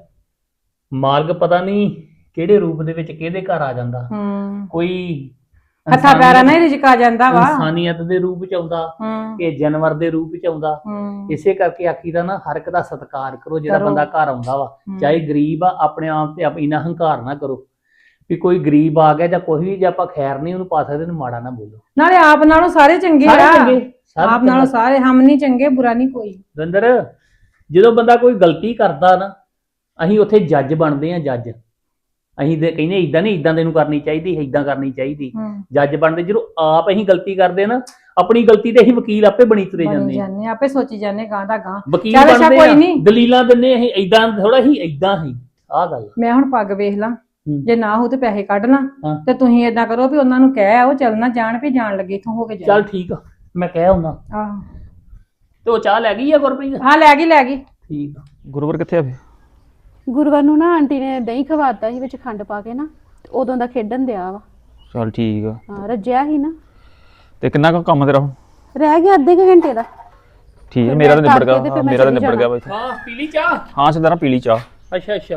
A: ਮਾਲਕ ਪਤਾ ਨਹੀਂ ਕਿਹੜੇ ਰੂਪ ਦੇ ਵਿੱਚ ਕਿਹਦੇ ਘਰ ਆ ਜਾਂਦਾ।
D: ਹੂੰ
A: ਕੋਈ
D: ਹੱਥਾਂ ਪੈਰਾਂ ਨਾਲ ਹੀ ਰਿਜਕ ਆ ਜਾਂਦਾ ਵਾ।
A: ਇਨਸਾਨੀਅਤ ਦੇ ਰੂਪ 'ਚ ਆਉਂਦਾ
D: ਹੂੰ
A: ਕਿ ਜਾਨਵਰ ਦੇ ਰੂਪ 'ਚ ਆਉਂਦਾ।
D: ਹੂੰ
A: ਇਸੇ ਕਰਕੇ ਆਖੀਦਾ ਨਾ ਹਰ ਇੱਕ ਦਾ ਸਤਿਕਾਰ ਕਰੋ ਜਿਹੜਾ
D: ਕਰੋ।
A: ਬੰਦਾ ਘਰ ਆਉਂਦਾ ਵਾ,
D: ਹੂੰ।
A: ਚਾਹੇ ਗਰੀਬ ਆ ਆਪਣੇ ਆਪ ਤੇ ਆਪ ਇੰਨਾ ਹੰਕਾਰ ਨਾ ਕਰੋ ਵੀ ਕੋਈ ਗਰੀਬ ਆ ਗਿਆ ਜਾਂ ਕੋਈ ਵੀ ਜੇ ਆਪਾਂ ਖੈਰ ਨਹੀਂ ਉਹਨੂੰ ਪਾ ਸਕਦੇ ਉਹਨੂੰ ਮਾੜਾ ਨਾ ਬੋਲੋ।
D: ਨਾਲੇ ਆਪ ਨਾਲੋਂ ਸਾਰੇ ਚੰਗੇ
A: ਸਾਰੇ
D: ਆ।
A: ਚੰਗੇ, ਸਭ
D: ਆਪ ਨਾਲੋਂ ਸਾਰੇ ਹਮ ਨਹੀਂ ਚੰਗੇ, ਬੁਰਾ ਨਹੀਂ ਕੋਈ।
A: ਦੰਦਰ ਜਦੋਂ ਬੰਦਾ ਕੋਈ ਗਲਤੀ ਕਰਦਾ ਨਾ ਅਸੀਂ ਉੱਥੇ ਜੱਜ ਬਣਦੇ ਆ। ਜੱਜ ਅਸੀਂ ਤੇ ਕਹਿੰਦੇ ਇਦਾਂ ਨਹੀਂ, ਇਦਾਂ ਦੇ ਨੂੰ ਕਰਨੀ ਚਾਹੀਦੀ, ਇਦਾਂ ਕਰਨੀ ਚਾਹੀਦੀ।
D: ਹੂੰ
A: ਜੱਜ ਬਣਦੇ ਜਦੋਂ ਆਪ ਅਸੀਂ ਗਲਤੀ ਕਰਦੇ ਨਾ ਆਪਣੀ ਗਲਤੀ ਤੇ ਅਸੀਂ ਵਕੀਲ ਆਪੇ ਬਣੀ ਤੁਰੇ
D: ਬਣੀ
A: ਜਾਂਦੇ ਆ।
D: ਜਾਂਦੇ ਆਪੇ ਸੋਚੀ ਜਾਂਦੇ ਗਾਂ ਦਾ ਗਾਂ।
A: ਵਕੀਲ
D: ਚੱਲ ਅੱਛਾ
A: ਬਣਦੇ
D: ਕੋਈ
A: ਆ,
D: ਨੀ।
A: ਦਲੀਲਾਂ ਦਿੰਦੇ ਅਸੀਂ ਇਦਾਂ ਥੋੜਾ ਹੀ ਇਦਾਂ ਹੀ ਆਹ ਗੱਲ।
D: ਮੈਂ ਹੁਣ ਪੱਗ ਵੇਖ ਲਾਂ,
A: ਹੂੰ।
D: ਜੇ ਨਾ ਹੋ ਤੇ ਪੈਸੇ ਕੱਢ ਲਾਂ।
A: ਹਾਂ।
D: ਤੇ ਤੁਸੀਂ ਏਦਾਂ ਕਰੋ ਵੀ ਉਹਨਾਂ ਨੂੰ ਕਹਿ ਆਓ ਚੱਲਣਾ ਜਾਣ ਵੀ ਜਾਣ ਲੱਗੇ ਇਥੋਂ ਹੋ ਕੇ ਜਾਣ।
A: ਚੱਲ ਠੀਕ ਆ ਮੈਂ ਕਹਿ ਆਉਣਾ।
D: ਆਹ
A: ਤੇ ਉਹ ਚਾਹ ਲੈ ਗਈ ਆ ਗੁਰਪ੍ਰੀਤ?
D: ਹਾਂ ਲੈ ਗਈ ਲੈ ਗਈ।
A: ਠੀਕ ਆ।
B: ਗੁਰੂਵਰ ਕਿੱਥੇ ਆ ਫੇ?
C: ਗੁਰਵਰ ਨੂੰ ਨਾ ਆਂਟੀ ਨੇ ਦਹੀਂ ਖਵਾਤਾ ਸੀ ਵਿੱਚ ਖੰਡ ਪਾ ਕੇ ਨਾ, ਤੇ ਉਦੋਂ ਦਾ ਖੇਡਣ ਦਿਆ ਵਾ।
B: ਚੱਲ ਠੀਕ ਆ।
C: ਹਾਂ ਰੱਜਿਆ ਸੀ ਨਾ,
B: ਤੇ ਕਿੰਨਾ ਕੁ ਕੰਮ ਤੇਰਾ ਹੁਣ?
C: ਰਹਿ ਗਿਆ ਅੱਧੇ ਕੁ ਘੰਟੇ ਦਾ।
B: ਠੀਕ ਹੈ,
C: ਫਿਰ
B: ਮੇਰਾ ਤਾਂ
C: ਮੈਂ
B: ਨਿਬੜ ਗਿਆ।
C: ਕਰਕੇ ਤੇ ਫਿਰ
B: ਹਾਂ,
C: ਮੈਂ
B: ਮੇਰਾ ਤਾਂ
C: ਚਲੀ
B: ਨਿਬੜ ਗਿਆ ਬਾਈ।
A: ਹਾਂ ਪੀਲੀ ਚਾਹ।
B: ਹਾਂ ਸਰਦਾਰਾ ਪੀਲੀ ਚਾਹ।
A: ਅੱਛਾ ਅੱਛਾ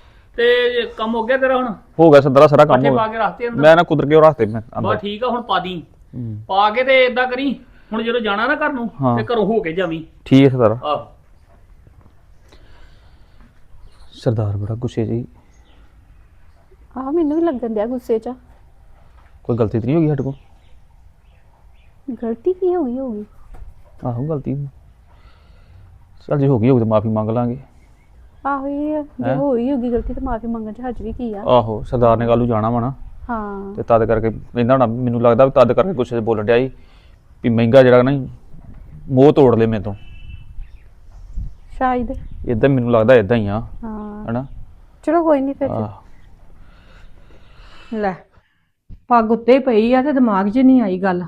A: ਤੇ ਕੰਮ ਹੋ ਗਿਆ ਤੇਰਾ ਹੁਣ?
B: ਹੋ ਗਿਆ ਸਰਦਾਰਾ, ਸਾਰਾ ਕੰਮ
A: ਪੱਠੇ
B: ਹੋ
A: ਪਾ
B: ਗਿਆ।
A: ਕੇ ਰੱਖਤੇ ਅੰਦਰ?
B: ਮੈਂ ਨਾ ਕੁਦਰ ਕੇ ਉਹ ਰੱਖਤੇ ਮੈਂ
A: ਬਸ
B: ਅੰਦਰ।
A: ਠੀਕ ਆ ਹੁਣ ਪਾ ਦੀ।
B: ਹੂੰ।
A: ਪਾ ਕੇ ਤੇ ਇਦਾਂ ਕਰੀ ਹੁਣ ਜਦੋਂ ਜਾਣਾ ਨਾ ਘਰ ਨੂੰ
B: ਹਾਂ।
A: ਤੇ ਘਰੋਂ ਹੋ ਕੇ ਜਾਵੀਂ।
B: ਠੀਕ ਹੈ ਸਰਦਾਰਾ।
A: ਆਹ
B: ਸਰਦਾਰ ਬੜਾ ਗੁੱਸੇ ਜੀ।
C: ਆਹ ਮੈਨੂੰ ਵੀ ਲੱਗਣ ਦਿਆ ਗੁੱਸੇ 'ਚ।
B: ਕੋਈ ਗਲਤੀ ਤਾਂ ਨਹੀਂ ਹੋ ਗਈ ਸਾਡੇ ਕੋਲ?
C: ਗਲਤੀ ਕੀ ਹੋ ਗਈ ਹੋਊਗੀ?
B: ਆਹੋ ਗਲਤੀ ਚੱਲ ਜੇ ਹੋ ਗਈ ਹੋਊ ਤਾਂ ਮਾਫੀ ਮੰਗ ਲਾਂਗੇ।
C: ਆਹੋ ਇਹ ਆ, ਜੇ
B: ਹੈਂ?
C: ਹੋਈ ਹੋਗੀ ਗਲਤੀ ਤਾਂ ਮਾਫੀ ਮੰਗਣ 'ਚ ਹੱਜ ਵੀ ਕੀ ਆ।
B: ਆਹੋ ਸਰਦਾਰ ਨੇ ਕੱਲ੍ਹ ਨੂੰ ਜਾਣਾ ਵਾ ਨਾ,
C: ਹਾਂ
B: ਤੇ ਤਦ ਕਰਕੇ ਕਹਿੰਦਾ ਹੋਣਾ, ਮੈਨੂੰ ਲੱਗਦਾ ਵੀ ਤਦ ਕਰਕੇ ਗੁੱਸੇ 'ਚ ਬੋਲਣ ਡਿਆ ਸੀ ਵੀ ਮਹਿੰਗਾ ਜਿਹੜਾ ਨਾ ਮੋਹ ਤੋੜ ਲੈ ਮੇਰੇ ਤੋਂ।
C: ਸ਼ਾਇਦ।
B: ਇਦਾਂ ਮੈਨੂੰ ਲੱਗਦਾ ਇਦਾਂ ਹੀ ਆ
C: ਹਾਂ
B: ਹਨਾ।
C: ਚਲੋ ਕੋਈ ਨਹੀਂ ਫਿਰ।
B: ਆਹ
D: ਲੈ ਪੱਗ ਉੱਤੇ ਹੀ ਪਈ ਆ ਤੇ ਦਿਮਾਗ 'ਚ ਨਹੀਂ ਆਈ ਗੱਲ।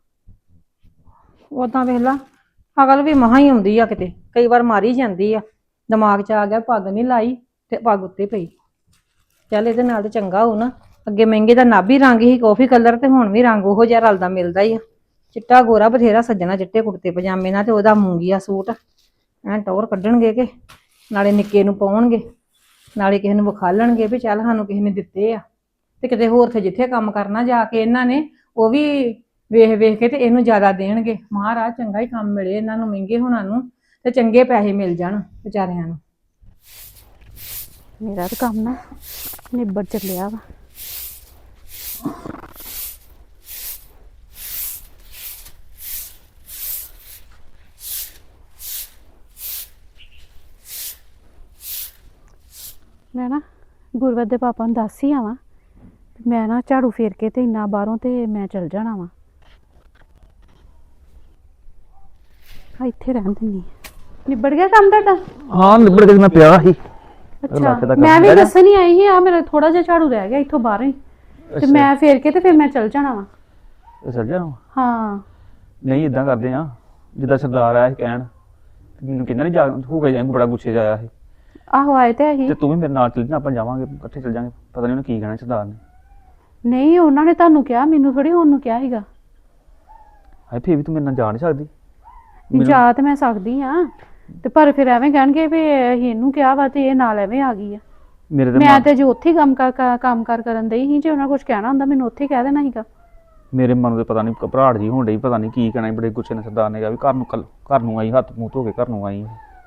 D: ਉਦਾਂ ਵੇਖ ਲਾ ਅਗਲ ਵੀ ਮਹਾ ਹੀ ਆਉਂਦੀ ਆ, ਕਿਤੇ ਕਈ ਵਾਰ ਮਾਰੀ ਜਾਂਦੀ ਆ। ਦਿਮਾਗ 'ਚ ਆ ਗਿਆ ਪੱਗ ਨਹੀਂ ਲਾਈ ਤੇ ਪੱਗ ਉੱਤੇ ਪਈ। ਚੱਲ ਇਹਦੇ ਨਾਲ ਤੇ ਚੰਗਾ ਹੋ ਨਾ, ਅੱਗੇ ਮਹਿੰਗੇ ਦਾ ਨਾਭੀ ਰੰਗ ਹੀ ਕਾਫੀ ਕਲਰ ਤੇ ਹੁਣ ਵੀ ਰੰਗ ਉਹੋ ਜਿਹਾ ਰਲਦਾ ਮਿਲਦਾ ਹੀ ਆ। ਚਿੱਟਾ ਗੋਰਾ ਬਥੇਰਾ ਸੱਜਣਾ ਚਿੱਟੇ ਕੁੜਤੇ ਪਜਾਮੇ ਨਾਲ ਤੇ ਉਹਦਾ ਮੂੰਗੀਆ ਸੂਟ ਐਂ ਟੌਰ ਕੱਢਣਗੇ ਕਿ ਨਾਲੇ ਨਿੱਕੇ ਨੂੰ ਪਾਉਣਗੇ ਨਾਲੇ ਕਿਸੇ ਨੂੰ ਵਿਖਾਲਣਗੇ ਵੀ ਚੱਲ ਸਾਨੂੰ ਕਿਸੇ ਨੇ ਦਿੱਤੇ ਆ। ਤੇ ਕਿਤੇ ਹੋਰ ਤੇ ਜਿੱਥੇ ਕੰਮ ਕਰਨਾ ਜਾ ਕੇ ਇਹਨਾਂ ਨੇ ਉਹ ਵੀ ਵੇਖ ਵੇਖ ਕੇ ਤੇ ਇਹਨੂੰ ਜ਼ਿਆਦਾ ਦੇਣਗੇ। ਮਹਾਰਾਜ ਚੰਗਾ ਹੀ ਕੰਮ ਮਿਲੇ ਇਹਨਾਂ ਨੂੰ, ਮਹਿੰਗੇ ਹੋਣਾ ਨੂੰ, ਤੇ ਚੰਗੇ ਪੈਸੇ ਮਿਲ ਜਾਣ ਵਿਚਾਰਿਆਂ ਨੂੰ।
C: ਮੇਰਾ ਤਾਂ ਕੰਮ ਨਾ ਨਿਬੜ ਚੱਲਿਆ ਵਾ। ਮੈਂ ਨਾ ਗੁਰਵਰ ਦੇ ਪਾਪਾ ਨੂੰ ਦੱਸ ਹੀ ਆਵਾਂ, ਮੈਂ ਨਾ ਝਾੜੂ ਫੇਰ ਕੇ ਤੇ ਇੰਨਾ ਬਾਹਰੋਂ ਤੇ ਮੈਂ ਚਲ ਜਾਣਾ ਵਾ। ਆ ਇੱਥੇ ਰਹਿਣ ਦਿੰਨੀ। ਨਿਬੜ ਗਿਆ ਕੰਮ ਤੁਹਾਡਾ?
B: ਹਾਂ ਨਿਬੜ ਕੇ ਮੈਂ ਪਿਆ ਸੀ।
C: ਅੱਛਾ ਮੈਂ ਵੀ ਦੱਸਣ ਹੀ ਆਈ ਸੀ, ਆ ਮੇਰਾ ਥੋੜਾ ਜਿਹਾ ਝਾੜੂ ਰਹਿ ਗਿਆ ਇੱਥੋਂ ਬਾਹਰੋਂ ਹੀ, ਤੇ ਮੈਂ ਫੇਰ ਕੇ ਤੇ ਫਿਰ ਮੈਂ ਚਲ ਜਾਣਾ ਵਾ।
B: ਚੱਲ ਜਾਣਾ?
C: ਹਾਂ
B: ਨਹੀਂ ਇਦਾਂ ਕਰਦੇ ਆ ਜਿੱਦਾਂ ਸਰਦਾਰ ਆਇਆ ਸੀ ਕਹਿਣ, ਮੈਨੂੰ ਕਹਿੰਦਾ ਨਹੀਂ ਜਾ ਹੋ ਕੇ ਜਾਏਗਾ, ਬੜਾ ਗੁੱਸੇ 'ਚ ਆਇਆ ਸੀ।
C: ਆਹੋ ਆਏ ਤੇ ਆਹੀ।
B: ਤੇ ਤੂੰ ਵੀ ਮੇਰੇ ਨਾਲ ਚੱਲ ਜਾ, ਆਪਾਂ ਜਾਵਾਂਗੇ ਇਕੱਠੇ ਚੱਲ ਜਾਵਾਂਗੇ। ਪਤਾ ਨਹੀਂ ਉਹਨੇ ਕੀ ਕਹਿਣਾ ਸਰਦਾਰ ਨੇ।
C: ਨਹੀਂ ਉਹਨਾਂ ਨੇ ਤੁਹਾਨੂੰ ਕਿਹਾ, ਮੈਨੂੰ ਥੋੜੀ ਉਹਨੂੰ ਕਿਹਾ ਸੀਗਾ।
B: ਹਾਏ ਫੇਰ ਵੀ ਤੂੰ ਮੇਰੇ ਨਾਲ ਜਾ ਨਹੀਂ ਸਕਦੀ?
C: ਜਾ ਤੇ ਮੈਂ ਸਕਦੀ ਆ, ਤੇ ਪਰ ਫਿਰ ਐਵੇਂ ਕਹਿਣਗੇ ਵੀ ਅਸੀਂ ਇਹਨੂੰ ਕਿਹਾ ਵਾ ਤੇ ਇਹ ਨਾਲ ਐਵੇਂ ਆ ਗਈ ਆ।
B: ਮੇਰੇ ਤੇ
C: ਮੈਂ ਤੇ ਜੇ ਉੱਥੇ ਹੀ ਕੰਮ ਕਰ ਕੰਮ ਕਰ ਕਰਨ ਦਈ ਸੀ, ਜੇ ਉਹਨਾਂ ਕੁਝ ਕਹਿਣਾ ਹੁੰਦਾ ਮੈਨੂੰ ਉੱਥੇ ਹੀ ਕਹਿ ਦੇਣਾ ਸੀਗਾ।
B: ਮੇਰੇ ਮਨ ਦੇ ਪਤਾ ਨਹੀਂ ਘਬਰਾਹਟ ਜੀ ਹੋਣ ਡਈ, ਪਤਾ ਨਹੀਂ ਕੀ ਕਹਿਣਾ ਸੀ, ਬੜੇ ਗੁੱਸੇ ਨਾਲ ਸਰਦਾਰ ਨੇ ਕਿਹਾ ਵੀ ਘਰ ਨੂੰ ਕੱਲ ਘਰ ਨੂੰ ਆਈ, ਹੱਥ ਮੂੰਹ ਧੋ ਕੇ ਘਰ ਨੂੰ ਆਈ।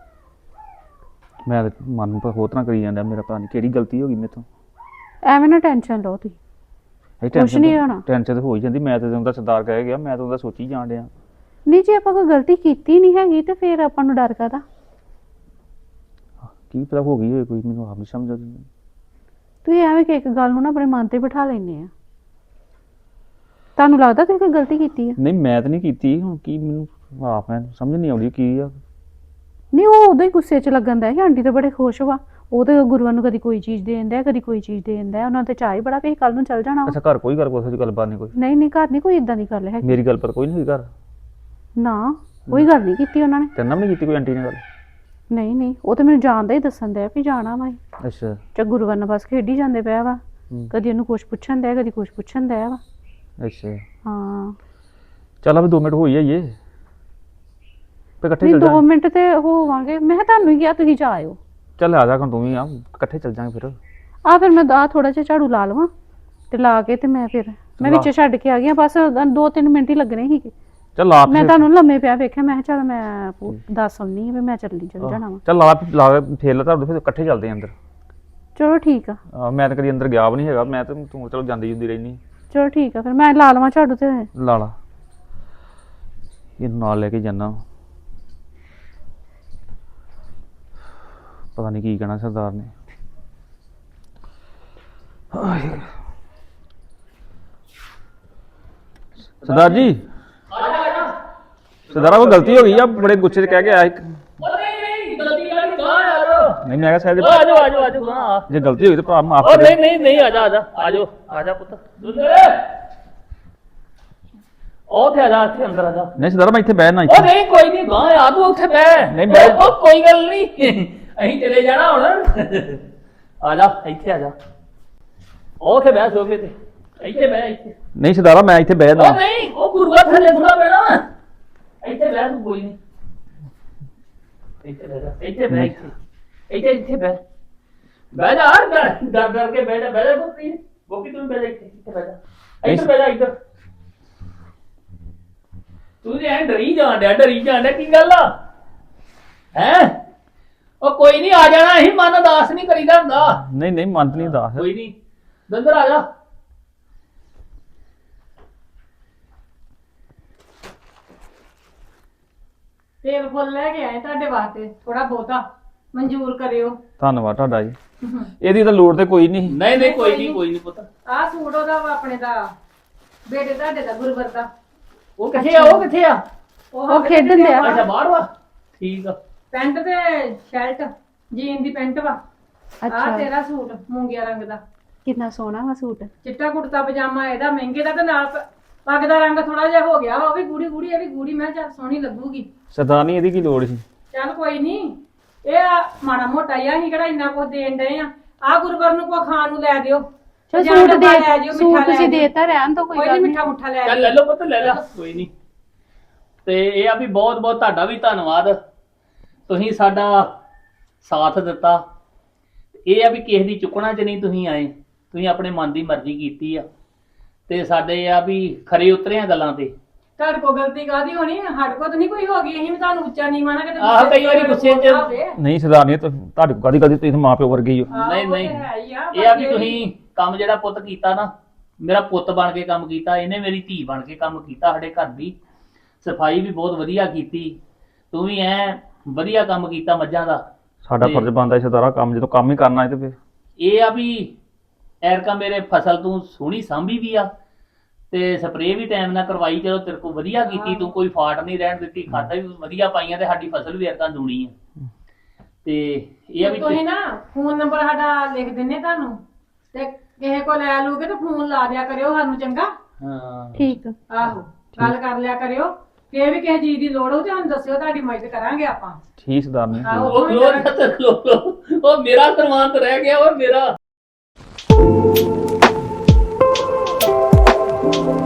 B: ਮੈਂ ਤੇ ਮਨ ਨੂੰ ਹੋਰ ਤਰ੍ਹਾਂ ਕਰੀ ਜਾਂਦਾ, ਮੇਰਾ ਪਤਾ ਨਹੀਂ ਕਿਹੜੀ ਗਲਤੀ ਹੋ ਗਈ ਮੇਰੇ ਤੋਂ।
C: ਐਵੇਂ ਨਾ ਟੈਨਸ਼ਨ ਲਓ ਤੁਸੀਂ,
B: ਇਹ
C: ਕੁਛ
B: ਟੈਨਸ਼ਨ
C: ਨਹੀਂ ਹੋਣਾ।
B: ਟੈਨਸ਼ਨ ਤਾਂ ਹੋ ਹੀ ਜਾਂਦੀ, ਮੈਂ ਤਾਂ ਉਹਦਾ ਸਰਦਾਰ ਕਹਿ ਗਿਆ, ਮੈਂ ਤਾਂ ਉਹਦਾ ਸੋਚੀ ਜਾਣ ਡਿਆ।
C: ਨਹੀਂ ਜੇ ਆਪਾਂ ਕੋਈ ਗਲਤੀ ਕੀਤੀ ਨਹੀਂ ਹੈਗੀ ਤੇ ਫਿਰ ਆਪਾਂ ਨੂੰ ਡਰ ਕਾਹਦਾ?
B: ਕੀ ਪਤਾ ਹੋ ਗਈ ਹੋਏ ਕੋਈ, ਮੈਨੂੰ ਆਪ ਨਹੀਂ ਸਮਝ ਆਉਂਦੀ।
C: ਤੁਸੀਂ ਐਵੇਂ ਕਿ ਇੱਕ ਗੱਲ ਨੂੰ ਨਾ ਆਪਣੇ ਮਨ ਤੇ ਬਿਠਾ ਲੈਂਦੇ ਆ। ਤੁਹਾਨੂੰ ਲੱਗਦਾ ਤੁਸੀਂ ਕੋਈ ਗਲਤੀ ਕੀਤੀ ਆ?
B: ਨਹੀਂ ਮੈਂ ਤਾਂ ਨਹੀਂ ਕੀਤੀ, ਹੁਣ ਕੀ ਮੈਨੂੰ ਆਪ ਮੈਂ ਸਮਝ ਨਹੀਂ ਆਉਂਦੀ ਕੀ ਆ।
C: ਨਹੀਂ ਉਹ ਉਦੋਂ ਹੀ ਗੁੱਸੇ 'ਚ ਲੱਗਣ ਦਾ ਹੈ, ਆਂਟੀ ਤਾਂ ਬੜੇ ਖੁਸ਼ ਵਾ, ਉਹ ਤੇ ਗੁਰੂਆਂ ਨੂੰ ਕਦੀ ਕੋਈ ਚੀਜ਼ ਦੇ ਦਿੰਦਾ, ਕਦੀ ਕੋਈ ਚੀਜ਼ ਦੇ ਦਿੰਦਾ, ਉਹਨਾਂ ਤੇ ਚਾਹ ਹੀ ਬੜਾ ਵੀ ਕੱਲ ਨੂੰ ਚੱਲ ਜਾਣਾ ਵਾ।
B: ਅੱਛਾ ਘਰ ਕੋਈ ਗੱਲ ਕੋਈ ਗੱਲਬਾਤ ਨਹੀਂ ਕੋਈ?
C: ਨਹੀਂ ਨਹੀਂ ਘਰ ਨਹੀਂ ਕੋਈ ਇਦਾਂ ਦੀ ਗੱਲ ਹੈ।
B: ਮੇਰੀ ਗੱਲ ਪਰ ਕੋਈ ਨਹੀਂ ਹੋਈ ਘਰ?
C: ਨਾ ਕੋਈ ਗੱਲ ਨਹੀਂ ਕੀਤੀ ਉਹਨਾਂ ਨੇ।
B: ਤੇਰੇ ਨਾਲ ਵੀ ਨਹੀਂ ਕੀਤੀ ਕੋਈ ਆਂਟੀ ਨੇ ਗੱਲ?
C: ਨਹੀਂ ਨਹੀਂ ਉਹ ਤਾਂ ਮੈਨੂੰ ਜਾਣਦਾ ਹੀ ਦੱਸਣ ਦਿਆ ਵੀ ਜਾਣਾ ਵਾ।
B: ਅੱਛਾ
C: ਚਾ ਗੁਰੂਆਂ ਨਾਲ ਬਸ ਖੇਡੀ ਜਾਂਦੇ ਪਿਆ ਵਾ,
B: ਹੂੰ।
C: ਕਦੀ ਉਹਨੂੰ ਕੁਛ ਪੁੱਛਣ ਦਿਆ, ਕਦੀ ਕੁਛ ਪੁੱਛਣ ਦਿਆ ਵਾ।
B: ਅੱਛਾ
C: ਹਾਂ
B: ਚੱਲ ਅਬ ਦੋ ਮਿੰਟ ਹੋ ਹੀ ਆਈਏ, ਤੇ ਇਕੱਠੇ
C: ਨਹੀਂ
B: ਚੱਲ
C: ਦੋ
B: ਜਾਵਾਂਗੇ।
C: ਮਿੰਟ ਤੇ ਹੋਵਾਂਗੇ। ਮੈਂ ਕਿਹਾ ਤੁਹਾਨੂੰ ਹੀ ਕਿਹਾ ਤੁਸੀਂ ਜਾ ਆਇਓ।
B: ਚੱਲ ਆ ਜਾ ਹੁਣ ਤੂੰ ਵੀ ਆ, ਇਕੱਠੇ ਚੱਲ ਜਾਾਂਗੇ ਫਿਰ।
C: ਆ ਫਿਰ ਮੈਂ ਆ ਥੋੜਾ ਜਿਹਾ ਝਾੜੂ ਲਾ ਲਵਾਂ ਤੇ ਲਾ ਕੇ ਤੇ ਮੈਂ ਫਿਰ ਮੈਂ
B: ਲਾ।
C: ਵਿੱਚ ਛੱਡ ਕੇ ਆ ਗਈ ਹਾਂ, ਬਸ ਦੋ ਤਿੰਨ ਮਿੰਟ ਹੀ ਲੱਗਣੇ ਸੀਗੇ।
B: ਚੱਲ ਆਪ
C: ਮੈਂ ਤੁਹਾਨੂੰ ਲੰਮੇ ਪਿਆ ਵੇਖਿਆ, ਮੈਂ ਕਿਹਾ ਚੱਲ ਮੈਂ ਪੂ- ਦੱਸ ਆਉਣੀ ਆ ਵੀ ਮੈਂ ਚੱਲੀ ਚੱਲ ਜਾਣਾ ਵਾ।
B: ਚੱਲ ਲਾ ਲਾ ਫੇਰ ਲਾ ਤੁਹਾਡੇ, ਫਿਰ ਇਕੱਠੇ ਚੱਲਦੇ ਆਂ ਅੰਦਰ।
C: ਚਲੋ ਠੀਕ ਆ।
B: ਆ, ਮੈਂ ਤਾਂ ਕਦੀ ਅੰਦਰ ਗਿਆ ਵੀ ਨਹੀਂ ਹੈਗਾ, ਮੈਂ ਤਾਂ ਤੂੰ ਚਲੋ ਜਾਂਦੀ ਜੁੰਦੀ ਰਹਿਨੀ।
C: ਚਲੋ ਠੀਕ ਆ ਫਿਰ ਮੈਂ ਲਾ ਲਵਾਂ ਝਾੜੂ ਤੇ।
B: ਲਾ ਲਾ ਇਹਨੂੰ ਨਾਲ ਲੈ ਕੇ ਜਾਣਾ, ਪਤਾ ਨਹੀਂ ਕੀ ਕਹਿਣਾ ਸਰਦਾਰ ਨੇ। ਸਰਦਾਰ ਜੀ ਸਰਦਾਰਾ ਕੋਈ ਗਲਤੀ ਹੋ ਗਈ ਆ, ਬੜੇ ਗੁੱਸੇ 'ਚ ਕਹਿ ਕੇ ਆਇਆ ਇੱਕ।
A: ਉਹ ਨਹੀਂ ਨਹੀਂ ਗਲਤੀ ਵਾਲੀ ਗਾਂ ਯਾਰ।
B: ਨਹੀਂ ਮੈਂ ਕਿਹਾ ਸ਼ਾਇਦ
A: ਆ ਜਾਓ ਆ ਜਾਓ ਆ ਜਾਓ ਗਾਂ।
B: ਜੇ ਗਲਤੀ ਹੋਈ ਤਾਂ ਭਰਾ ਮਾਫ
A: ਉਹ
B: ਕਰ
A: ਨਹੀਂ ਨਹੀਂ ਨਹੀਂ ਆ ਜਾ ਆ ਜਾ ਆ ਜਾਓ ਆ ਜਾ ਪੁੱਤ। ਦੁੱਲੇ ਉਹ ਤੇ ਆ ਜਾ, ਇੱਥੇ ਅੰਦਰ ਆ ਜਾ।
B: ਨਹੀਂ ਸਰਦਾਰਾ ਮੈਂ ਇੱਥੇ ਬਹਿਣਾ
A: ਉਹ
B: ਇੱਥੇ।
A: ਨਹੀਂ ਕੋਈ ਨਹੀਂ ਗਾਂ ਆ ਤੂੰ ਉੱਥੇ ਬਹਿ।
B: ਨਹੀਂ, ਬਹਿ-
A: ਉਹ ਕੋਈ ਗੱਲ ਨਹੀਂ, ਅਸੀਂ ਚਲੇ ਜਾਣਾ ਹੁਣ। ਆ ਜਾ ਇੱਥੇ ਆ ਜਾ, ਉਹ ਉੱਥੇ ਬਹਿ ਸੋਫੇ ਤੇ, ਇੱਥੇ ਬਹਿ ਇੱਥੇ।
B: ਨਹੀਂ ਸਰਦਾਰਾ ਮੈਂ ਇੱਥੇ ਬਹਿਦਾ।
A: ਉਹ ਨਹੀਂ ਉਹ ਗੁਰੂਆ ਥੱਲੇ ਥੋੜਾ ਬਹਿਣਾ, ਇੱਥੇ ਬਹਿ ਤੂੰ, ਕੋਈ ਨਹੀਂ ਇੱਥੇ ਬਹਿ ਜਾ, ਇੱਥੇ ਬਹਿ ਇੱਥੇ ਇੱਥੇ ਇੱਥੇ ਬਹਿ ਬਹਿ ਜਾ ਯਾਰ, ਡਰ ਡਰ ਡਰ ਕੇ ਬਹਿ ਜਾ ਬਹਿ ਜਾ ਗੋਪੀ ਗੋਪੀ ਤੂੰ ਬਹਿ ਜਾ ਇੱਥੇ ਇੱਥੇ ਬਹਿ ਜਾ, ਇੱਧਰ ਬਹਿ ਜਾ ਇੱਧਰ। ਤੂੰ ਤੇ ਐਂ ਡਰੀ ਜਾਣ ਡਿਆ ਡਰੀ ਜਾਣ ਡਿਆ, ਕੀ ਗੱਲ ਆ ਹੈ? ਉਹ ਕੋਈ ਨਹੀਂ ਆ ਜਾਣਾ, ਅਸੀਂ ਮਨ ਉਦਾਸ ਨਹੀਂ ਕਰੀਦਾ ਹੁੰਦਾ।
B: ਨਹੀਂ ਨਹੀਂ ਮੰਤ ਨਹੀਂ ਦੱਸ।
A: ਕੋਈ ਨਹੀਂ ਦੰਦਰ ਆ ਜਾ।
D: ਤੇਲ ਫੁੱਲ ਲੈ ਕੇ ਆਏ ਤੁਹਾਡੇ ਵਾਸਤੇ, ਥੋੜਾ ਬਹੁਤਾ ਮਨਜ਼ੂਰ ਕਰਿਓ।
B: ਧੰਨਵਾਦ ਤੁਹਾਡਾ ਜੀ, ਇਹਦੀ ਤਾਂ ਲੋੜ ਤੇ ਕੋਈ ਨਹੀਂ।
A: ਨਹੀਂ ਨਹੀਂ ਕੋਈ ਨਹੀਂ ਕੋਈ ਨਹੀਂ ਪੁੱਤ।
D: ਆਹ ਸੂਟ ਉਹਦਾ ਵਾ ਆਪਣੇ ਦਾ, ਬੇਟੇ ਤੁਹਾਡੇ ਦਾ ਗੁਰਵਰ ਦਾ।
A: ਉਹ ਕਿੱਥੇ ਆ ਉਹ ਕਿੱਥੇ ਆ?
C: ਉਹ ਖੇਡਣ ਡਿਆ।
A: ਅੱਛਾ ਬਾਹਰ ਵਾ, ਠੀਕ ਆ।
D: ਪੈਂਟ ਤੇ ਸ਼ਰਟ, ਜੀਨ ਦੀ ਪੈਂਟ ਵਾ। ਆਹ
C: ਅੱਛਾ
D: ਤੇਰਾ ਸੂਟ ਮੂੰਗਿਆ ਰੰਗ ਦਾ,
C: ਕਿੰਨਾ ਸੋਹਣਾ ਵਾ ਸੂਟ।
D: ਚਿੱਟਾ ਕੁੜਤਾ ਪਜਾਮਾ ਇਹਦਾ ਮਹਿੰਗੇ ਦਾ, ਤੇ ਨਾਲ ਪ- ਪੱਗ ਦਾ ਰੰਗ ਥੋੜਾ ਜਿਹਾ ਹੋ ਗਿਆ ਵਾ, ਉਹ ਵੀ ਗੂੜੀ ਗੂੜੀ, ਇਹ ਵੀ ਗੂੜੀ। ਮੈਂ ਕਿਹਾ ਚੱਲ ਸੋਹਣੀ ਲੱਗੂਗੀ।
B: ਸਰਦਾਰਨੀ ਇਹਦੀ ਕੀ ਲੋੜ ਸੀ?
D: ਚੱਲ ਕੋਈ ਨਹੀਂ, ਇਹ ਆ ਮਾੜਾ ਮੋਟਾ ਹੀ ਆ, ਅਸੀਂ ਕਿਹੜਾ ਇੰਨਾ ਕੁਝ ਦੇਣ ਡਏ ਆ। ਆਹ ਗੁਰਵਰ ਨੂੰ ਕੋ ਖਾਣ ਨੂੰ ਲੈ ਦਿਓ,
C: ਚਲ
D: ਜਾਂ
C: ਸੂਟ
D: ਡੱਬਾ
C: ਦੇ
D: ਲੈ ਜਿਓ,
C: ਸੂਟ
D: ਮਿੱਠਾ ਲੈ
C: ਤੁਸੀਂ
D: ਜਿਓ।
C: ਦੇਤਾ, ਰਹਿਣ ਤੋਂ ਕੋਈ
D: ਕੋਈ
C: ਗੱਲ
D: ਨਹੀਂ,
C: ਨਹੀਂ।
D: ਮਿੱਠਾ ਮੁੱਠਾ ਲੈ
A: ਚੱਲ
D: ਜਿਓ।
A: ਲੈ ਲਓ ਪੁੱਤ ਲੈ ਲੈ, ਕੋਈ ਨਹੀਂ। ਤੇ ਇਹ ਆ ਵੀ ਬਹੁਤ ਬਹੁਤ ਤੁਹਾਡਾ ਵੀ ਧੰਨਵਾਦ, ਤੁਸੀਂ ਸਾਡਾ ਸਾਥ ਦਿੱਤਾ। ਇਹ ਆ ਵੀ ਕਿਸੇ ਦੀ ਚੁੱਕਣਾ 'ਚ ਨਹੀਂ ਤੁਸੀਂ ਆਏ, ਤੁਸੀਂ ਆਪਣੇ ਮਨ ਦੀ ਮਰਜ਼ੀ ਕੀਤੀ ਆ, ਤੇ ਸਾਡੇ ਇਹ ਆ ਵੀ ਖਰੇ ਉਤਰਿਆ ਗੱਲਾਂ ਤੇ।
D: ਤੁਹਾਡੇ ਕੋ ਗਲਤੀ ਕਾਦੀ ਹੋਣੀ, ਸਾਡੇ ਕੋ ਤਾਂ ਨਹੀਂ ਕੋਈ ਹੋ ਗਈ, ਅਸੀਂ ਵੀ ਤੁਹਾਨੂੰ ਉੱਚਾ ਨਹੀਂ ਮਾਣਾ ਕਿਤੇ।
A: ਆਹ, ਕਈ ਵਾਰੀ ਗੁੱਸੇ 'ਚ-
B: ਨਹੀਂ ਸਰਦਾਰਨੀ ਤੁਹਾਡੇ ਕਦੀ ਕਦੀ ਤੁਸੀਂ ਮਾਂ ਪਿਓ ਵਰਗੇ ਹੀ ਹੋ।
A: ਨਹੀਂ ਨਹੀਂ ਇਹ ਆ ਵੀ ਤੁਸੀਂ ਕੰਮ ਜਿਹੜਾ ਪੁੱਤ ਕੀਤਾ ਨਾ, ਮੇਰਾ ਪੁੱਤ ਬਣ ਕੇ ਕੰਮ ਕੀਤਾ, ਇਹਨੇ ਮੇਰੀ ਧੀ ਬਣ ਕੇ ਕੰਮ ਕੀਤਾ। ਸਾਡੇ ਘਰ ਦੀ ਸਫਾਈ ਵੀ ਬਹੁਤ ਵਧੀਆ ਕੀਤੀ, ਤੂੰ ਵੀ ਐ ਵਧੀਆ ਕੰਮ ਕੀਤਾ ਮੱਝਾਂ ਦਾ।
B: ਸਾਡਾ
A: ਤੇ-
B: ਫਰਜ਼ ਬਣਦਾ ਸਰਦਾਰਾ, ਕੰਮ ਜਦੋਂ ਕੰਮ ਹੀ ਕਰਨਾ ਹੈ ਤੇ ਫਿਰ
A: ਇਹ ਆ ਵੀ ਐਰਕਾ ਮੇਰੇ ਫਸਲ ਤੂੰ ਸੋਹਣੀ ਸਾਂਭੀ ਵੀ ਆ, ਤੇ ਸਪਰੇਅ ਵੀ ਟਾਈਮ ਨਾਲ ਕਰਵਾਈ, ਚਲੋ ਤੇਰੇ ਕੋਲ ਵਧੀਆ ਕੀਤੀ ਤੂੰ, ਕੋਈ ਫਾਟ ਨਹੀਂ ਰਹਿਣ ਦਿੱਤੀ, ਖਾਦਾਂ ਵੀ ਵਧੀਆ ਪਾਈਆਂ, ਤੇ ਸਾਡੀ ਫਸਲ ਵੀ ਐਰਕਾ ਦੂਣੀ ਆ। ਤੇ ਇਹ ਆ ਵੀ
D: ਤੁਸੀਂ ਨਾ ਫੋਨ ਨੰਬਰ ਸਾਡਾ ਲਿਖ ਦਿੰਨੇ ਤੁਹਾਨੂੰ, ਤੇ ਕਿਸੇ ਕੋ ਲੈ ਲੂਗੇ ਤਾਂ ਫੋਨ ਲਾ ਦਿਆ ਕਰਿਓ ਸਾਨੂੰ, ਚੰਗਾ?
A: ਹਾਂ
C: ਠੀਕ ਆ।
D: ਆਹੋ ਗੱਲ ਕਰ ਲਿਆ ਕਰਿਓ, ਕਿ ਵੀ ਕਿਸੇ ਚੀਜ਼ ਦੀ ਲੋੜ ਹੋ ਤੇ ਸਾਨੂੰ ਦੱਸਿਓ, ਤੁਹਾਡੀ ਮਦਦ ਕਰਾਂਗੇ ਆਪਾਂ।
B: ਠੀਕ ਸਰਦਾਰਨੀ।
D: ਆਹੋ
A: ਉਹ ਖਲੋ ਜਾ ਤੇ ਖਲੋ ਖਲੋ। ਉਹ ਮੇਰਾ ਸਰਮਾਨ ਰਹਿ ਗਿਆ, ਉਹ ਮੇਰਾ।